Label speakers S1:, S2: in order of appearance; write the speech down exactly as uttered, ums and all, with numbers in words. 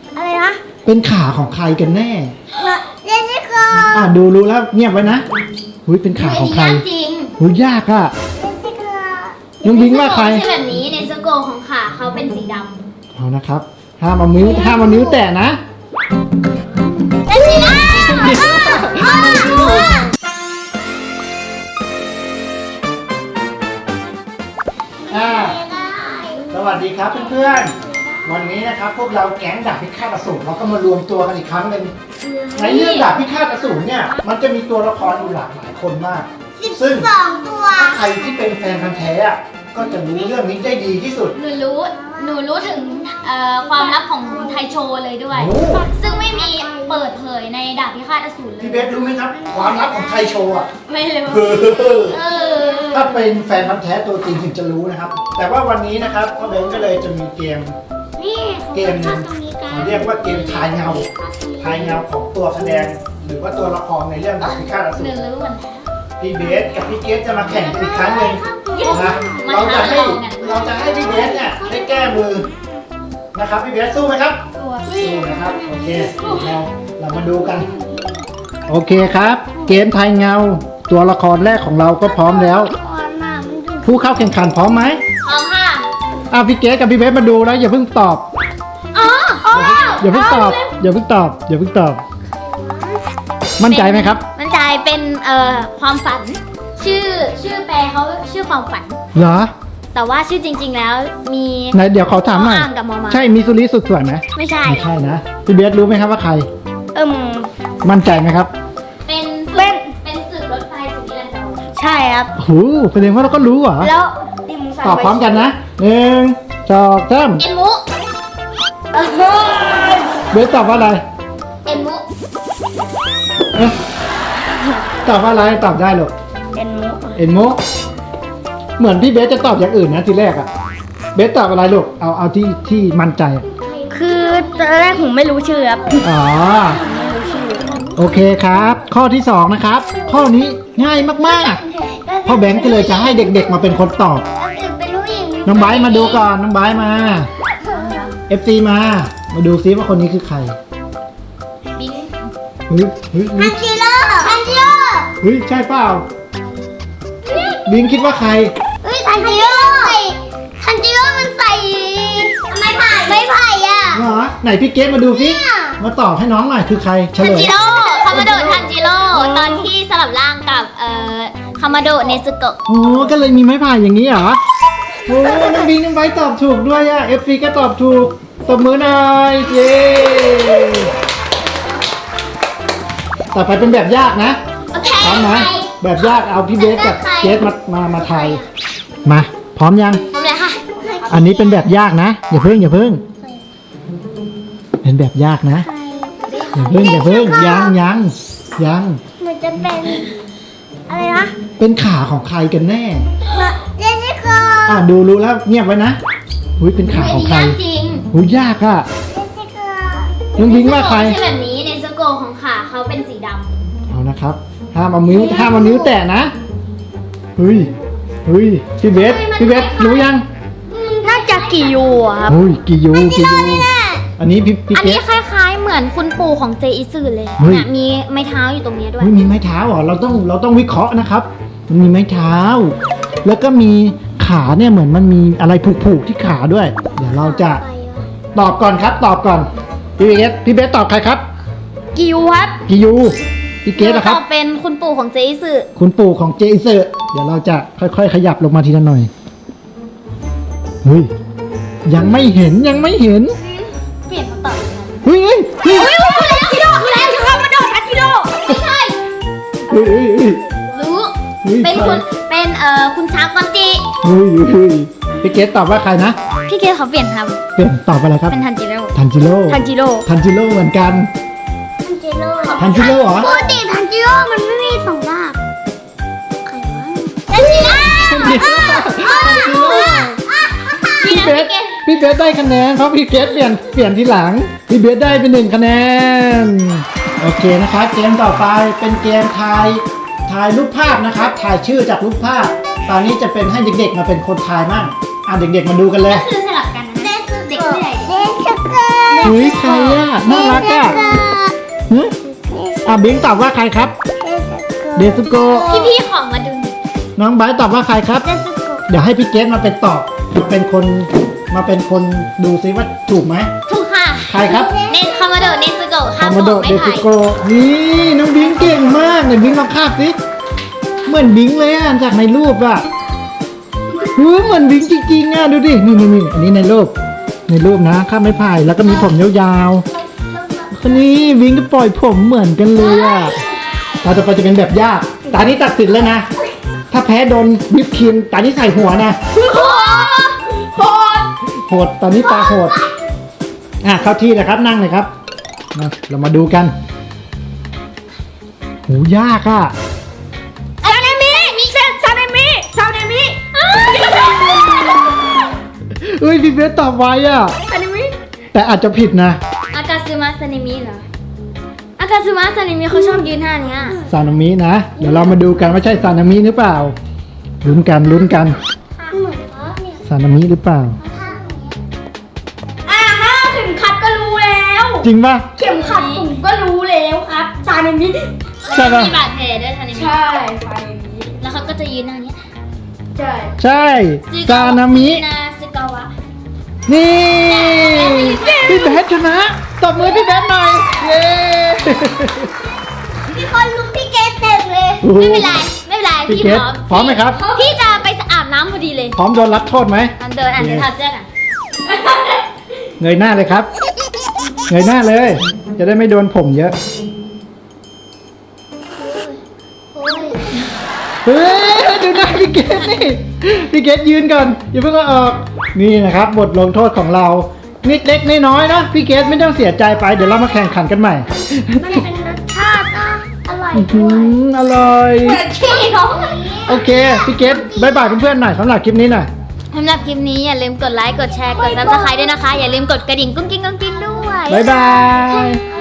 S1: อะไรนะ
S2: เป็นขาของใครกันแน่
S1: เจสสิก้า
S2: อ่ะดูรู้แล้วเงียบไว้นะหุ้ยเป็นขาของใคร
S3: จริง
S2: หุ้ยยากอ่ะ
S1: เจสสิก้า
S2: น้องบิงว่าใคร
S3: ใช่แบบนี้ในสโกของขาเขาเป็นสีดำ
S2: เอานะครับห้ามเอานิ้วห้ามเอานิ้วแตะนะ
S3: เจสสิก้า
S2: อ่าสวัสดีครับเพื่อนๆวันนี้นะครับพวกเราแก๊งดาบพิฆาตอสูรเราก็มารวมตัวกันอีกครั้งหนึ่งในเรื่องดาบพิฆาตอสูรเนี่ยมันจะมีตัวละครอยู่หลากหลายคนมากซึ่ง
S1: สองตัว
S2: ใครที่เป็นแฟนพันธุ์แท้ก็จะรู้เรื่องนี้ได้ดีที่สุด
S3: หนูรู้หนูรู้ถึงความลับของไทโชเลยด้วยซึ่งไม่มีเปิดเผยในดาบพิฆาตอสูรเลย
S2: พี่เบสรู้ไหมครับความลับของไทโชอ่ะ
S3: ไม่รู้
S2: ถ้าเป็นแฟนพันธุ์แท้ตัวจริงถึงจะรู้นะครับแต่ว่าวันนี้นะครับพ่อเบนก็เลยจะมีเกมเกมนึงเขาเรียกว่าเกมทายเงาทายเงาของตัวแสดงหรือว่าตัวละครในเรื่องดาบพิฆาตอสูรพี่เบสกับพี่เกสจะมาแข่งกันอีกครั้งหนึ่งนะเราจะให้เราจะให้พี่เบสเนี่ยได้แก้มือนะครับพี่เบสสู้ไหมครับสู้นะครับโอเคเราเรามาดูกันโอเคครับเกมทายเงาตัวละครแรกของเราก็พร้อมแล้วผู้เข้าแข่งขันพร้อมไหม
S3: พร้อมค่ะ
S2: อ่ะพี่เกสกับพี่เบสมาดูแล้วอย่าเพิ่งตอบ
S3: อ๋อ
S2: อย่าเพิ่งตอบอย่าเพิ่งตอบอย่าเพิ่งตอบมั่นใจไหมครับ
S3: มั่นใจเป็นเอ่อความฝันชื่อชื่อแปลเขาชื่อความฝัน
S2: เหรอ
S3: แต่ว่าชื่อจริงๆแล้วมี
S2: ไหนเดี๋ยวขอถามหน่อยใช่มิซูริสุดสวยไหม
S3: ไม่ใช่
S2: ไม่ใช่นะพี่เบสรู้ไหมครับว่าใคร
S1: เอิ่ม
S2: มั่นใจไหมครับ
S3: เป็นเป็นเป็นสื่อรถไฟสุนิรันดร
S1: ใช่ครับ
S2: โอ้โหแสดงว่าเราก็รู้เหรอ
S1: แล้ว
S2: ตอบพร้อมกันนะหนึ่งสองสาม
S3: เอ็นมุ
S2: เบสตอบว่าอะไร
S3: เอ็นมุ
S2: ตอบว่าอะไรตอบได้หรอ
S1: เอ็นมุ
S2: เอ็นมุเหมือนพี่เบสจะตอบอย่างอื่นนะทีแรกอะเบสตอบอะไรลูกเอาเอาที่ที่มั่นใจ
S1: คือตอนแรกผมไม่รู้ชื่อครับ
S2: อ๋อโอเคครับข้อที่สองนะครับข้อนี้ง่ายมากๆพ่อแบงค์ก็เลยจะให้เด็กๆมาเป็นคนตอบน้องไบร์ทมาดูก่อนน้องไบร์ทมา เอฟ ซี มามาดูซิว่าคนนี้คือใคร
S3: บิ๊ก
S2: เฮ้ยเฮ้ย
S1: ทันจิโร่ทันจิโร่
S2: เฮ้ยใช่เปล่าบิงคิดว่าใคร
S1: เฮ้ยทันจิโร่ทันจิโร่มันใส่ไม่ไผ่ไม่ไผ่อะ
S2: เหรอไหนพี่เกสมาดูซิมาตอบให้น้องหน่อยคือใครเฉลย
S3: ทันจิโร่คามาโดะทันจิโร่ตอนที่สลับร่างกับเอ่อคามาโดะเนซึโกะ
S2: โอ้ก็เลยมีไม้พายอย่างนี้เหรอโอ้น้องบิงน้องไบร์ทตอบถูกด้วยอะ เอฟ ซี ก็ตอบถูกตบมือหน่อยเย้ต่อไปเป็นแบบยากนะพร้อมนะแบบยากเอาพี่เบสกับเกสมามามาไทยมาพร้อมยัง
S3: พร้อมแล้วค่ะ
S2: อันนี้เป็นแบบยากนะอย่าเพิ่งอย่าเพิ่งเป็นแบบยากนะอย่าเพิ่งอย่าเพิ่งยังยังยัง
S1: มันจะเป็นอะไรนะ
S2: เป็นขาของใครกันแน่
S1: เจสสิก้า
S2: อ่ะดูรู้แล้วเงียบไว้นะหุ้ยเป็นขาของใคร
S3: จริง
S2: หุ้ยยากอ่ะน้องบิงว่าใคร
S3: ใช่แบบนี้ในสโกของขาเขาเป็นสีดำ
S2: เอานะครับห้ามเอานิ้วห้ามเอานิ้วแตะนะเฮ้ยเฮ้ยพี่เบสพี่เบสรู้ยัง
S1: น่าจะกิยูครับ
S2: เฮ้ยกิยูกิยูอันนี้พี่พี่
S3: อันนี้คล้ายๆเหมือนคุณปู่ของเจอิซึเลยเนี่ยมีไม้เท้าอยู่ตรงนี้ด้วย
S2: มีไม้เท้าเหรอเราต้องเราต้องวิเคราะห์นะครับมันมีไม้เท้าแล้วก็มีขาเนี่ยเหมือนมันมีอะไรผูกๆที่ขาด้วยเดี๋ยวเราจะตอบก่อนครับตอบก่อนพี่เบสพี่เบสตอบใครครับ
S1: กิยูครับ
S2: กิยูพี่เกสนะครับ
S3: ตอบเป็นคุณปู่ของเจอิซึ
S2: คุณปู่ของเจอิซึเดี๋ยวเราจะค่อยๆขยับลงมาทีละหน่อยเฮ้ยยังไม่เห็นยังไม่เห็น
S3: เปลี่ยนคำตอบ
S2: เฮ้ยเฮ้ย
S3: เฮ้ยรู้แล้วทิโร่รู้แล้วคามาโดะทันจิโร่ไม่ใช่
S2: เฮ้ยเฮ้ย
S3: รู้เป็นคุณเป็นเอ่อคุณชากอนจิ
S2: เฮ้ยเฮ้ยพี่เกสตอบว่าใครนะ
S3: พี่เกสเขาเปลี่ยนครับ
S2: เปลี่ยนตอบอะไรครับ
S3: เป็นทันจิโร่
S2: ทันจิโร่
S3: ทันจิโร่
S2: ทันจิโร่เหมือนกันทันจิโร่เหรอ
S1: ปกติทันจิโร่มันไม่มีสองรากใครวะทันจิโร่
S2: พี่เบสพี่เบสได้คะแนนเพราะพี่เกสเปลี่ยนเปลี่ยนทีหลังพี่เบสได้เป็นหนึ่งคะแนนโอเคนะครับเกมต่อไปเป็นเกมทายทายรูปภาพนะครับทายชื่อจากรูปภาพตอนนี้จะเป็นให้เด็กๆมาเป็นคนทายมั่งอ่ะเด็กๆมาดูกันเลย
S3: ก็คือสลับกันนะเด็กผู้ใหญ่
S1: เด็กสเกอร์
S2: เฮ้ยใครอ่ะน่ารักอ่ะหึอ่ะบิงตอบว่าใครครับ เดซุโกะ
S3: พี่ๆของมาดูหน่อย
S2: น้องไบร์ทตอบว่าใครครับ
S1: เดซุโกะ
S2: เดี๋ยวให้พี่เกสมาเป็นตอบเป็นคนมาเป็นคนดูซิว่าถูกไหม
S3: ถูกค่ะ
S2: ใครครับ
S3: เนสคามาโดเนสโกะ
S2: คา
S3: ค่ะ
S2: มาโด
S3: ผม
S2: เด
S3: ไม่
S2: ซุ
S3: ถ่าย
S2: โกะนี่น้องบิงเก่งมากเนี่ยบิงลองคาบสิเหมือนบิงเลยอ่ะจากในรูปอ่ะหูเหมือนบิงจริงๆอ่ะดูดินี่นี่นี่อันนี้ในรูปในรูปนะคาบไม้พายแล้วก็มีผมยาวๆคนนี้บิงก็ปล่อยผมเหมือนกันเลยอ่ะตาต่อไปจะเป็นแบบยากตานี้ตัดสินแล้วนะถ้าแพ้โดนวิปครีมตานี้ใส่หัวนะ
S3: โหด
S2: โหดตอนนี้ตาโหดอ่ะเข้าที่นะครับนั่งเลยครับมาเรามาดูกันหูยากอ่ะ
S3: ซาเนมิมิเซนซาเนมิซาเนมิ
S2: เอ้ยพี่เบสตอบไวอ่ะ
S3: ซาเนมิ
S2: แต่อาจจะผิดนะ
S3: อากาซึมะซาเนมิเหรออากาซึมะซาเนมิเขาชอบยืนท่านี้
S2: ซานามินะเดี๋ยวเรามาดูกันว่าใช่ซานามิหรือเปล่าลุ้นกันลุ้นกัน
S1: เหมือนว่าเนี่ย
S2: ซานามิหรือเปล่า
S3: อ่าฮะเข็มขัดก็รู้แล้ว
S2: จริงป่ะ
S3: เข็มขัดผมก็รู้แล้วครับซาเนมิ
S2: ใช่ปะ
S3: มีบาดแผลด้วยซาเนมิใช่ซาเนมิแล้วเขาก็จะยืนท่านี้ใช่
S2: ใช่ซานามิ
S3: นาซึกาวะ
S2: นี่พี่เบสชนะตบมือพี่เบสหน่อยเย้
S1: มีคนลุกพี่เกสเต็มเลย
S2: โอ้โห
S3: ไม่เป็นไรไม่เป็นไร
S2: พี่
S3: พี่
S2: เก
S3: พ
S2: ส
S3: ร้อม
S2: พร้อมไหมครับ
S3: พี่จะไปอาบน้ำพอดีเลย
S2: พร้อมโดนรับโทษไหม
S3: อันเดินอ่านเดินทาเสื้อกัน
S2: เงยหน้าเลยครับ เงยหน้าเลย จะได้ไม่โดนผมเยอะ
S1: โอ้ย
S2: เฮ้ยดูหน้าพี่เกดนี่ พี่เกดยืนก่อนอย่าเพิ่งเอาออก นี่นะครับบทลงโทษของเรานิดเล็กน้อยๆนะพี่เกดไม่ต้องเสียใจไปเดี๋ยวเรามาแข่งขันกันใหม่
S1: มันเป็นรสชาตินะอร่อย
S2: อื้อหืออร่อย
S3: เหมือนขี้เนาะ
S2: โอเคพี่เกดบายบายเพื่อนๆหน่อยสำหรับคลิปนี้หน่อย
S3: สำหรับคลิปนี้อย่าลืมกดไลค์ กดแชร์ กดซับสไครต์ด้วยนะคะ อย่าลืมกดกระดิ่งกุ้งกิ้งกุ้งกิ้งด้วย
S2: บายบาย
S1: อ